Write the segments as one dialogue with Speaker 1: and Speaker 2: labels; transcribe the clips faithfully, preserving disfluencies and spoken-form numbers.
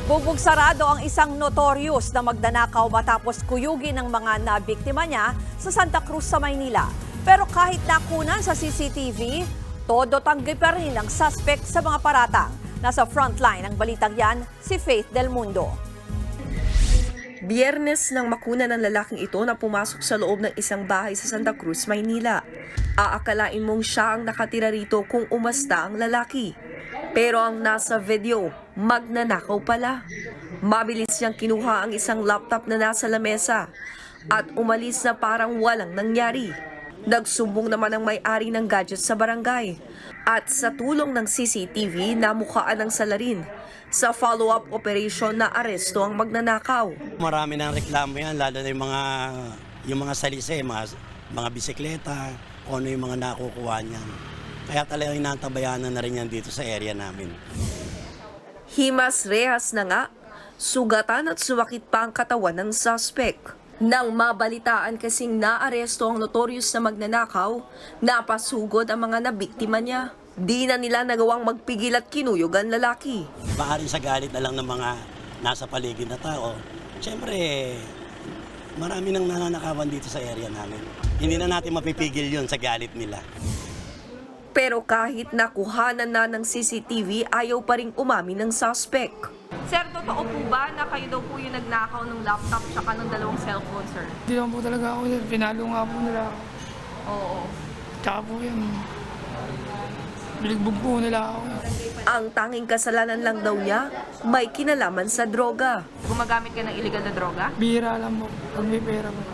Speaker 1: Bugbog sarado ang isang notorious na magnanakaw matapos kuyugin ng mga nabiktima niya sa Santa Cruz sa Maynila. Pero kahit nakunan sa C C T V, todo tanggi pa rin ang suspect sa mga paratang. Nasa frontline ng balitang yan, si Faith Del Mundo.
Speaker 2: Biyernes nang makuna ng lalaking ito na pumasok sa loob ng isang bahay sa Santa Cruz, Maynila. Aakalain mong siya ang nakatira rito kung umasta ang lalaki. Pero ang nasa video, magnanakaw pala. Mabilis niyang kinuha ang isang laptop na nasa lamesa at umalis na parang walang nangyari. Nagsumbong naman ang may-ari ng gadget sa barangay at sa tulong ng C C T V namukhaan ng salarin. Sa follow-up operation na aresto ang magnanakaw.
Speaker 3: Marami ng reklamo yan, lalo na yung mga, yung mga salise, mga, mga bisikleta, kung ano yung mga nakukuha niyan. Kaya talagang inantabayanan na rin yan dito sa area namin.
Speaker 2: Himas rehas na nga, sugatan at sumakit pa ang katawan ng suspect. Nang mabalitaan kasing naaresto ang notorious na magnanakaw, napasugod ang mga nabiktima niya. Di na nila nagawang magpigil at kinuyog ang lalaki.
Speaker 3: Maaaring sa galit na lang ng mga nasa paligid na tao. Siyempre, marami nang nananakawan dito sa area namin. Hindi na natin mapipigil yun sa galit nila.
Speaker 2: Pero kahit nakuhanan na ng C C T V, ayaw pa rin umamin ng suspect. Sir, totoo po ba na kayo daw po yung nagnakaw ng laptop tsaka ng dalawang cellphone, sir?
Speaker 4: Hindi lang po talaga ako. Pinalo nga po nila ako.
Speaker 2: Oo.
Speaker 4: Tsaka po yan. Biligbog po nila ako.
Speaker 2: Ang tanging kasalanan lang daw niya, may kinalaman sa droga.
Speaker 5: Gumagamit ka ng illegal na droga?
Speaker 4: Bihira lang po. Pag may pera po.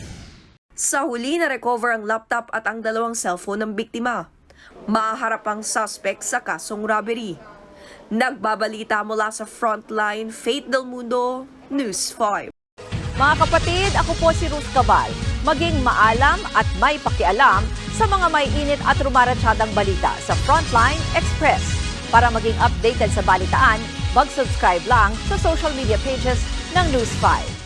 Speaker 2: Sa huli na recover ang laptop at ang dalawang cellphone ng biktima. Maharap ang suspect sa kasong robbery. Nagbabalita mula sa Frontline, Faith Del Mundo, News five.
Speaker 1: Mga kapatid, ako po si Ruth Cabal. Maging maalam at may pakialam sa mga may init at rumaratsyadang balita sa Frontline Express. Para maging updated sa balitaan, mag-subscribe lang sa social media pages ng News five.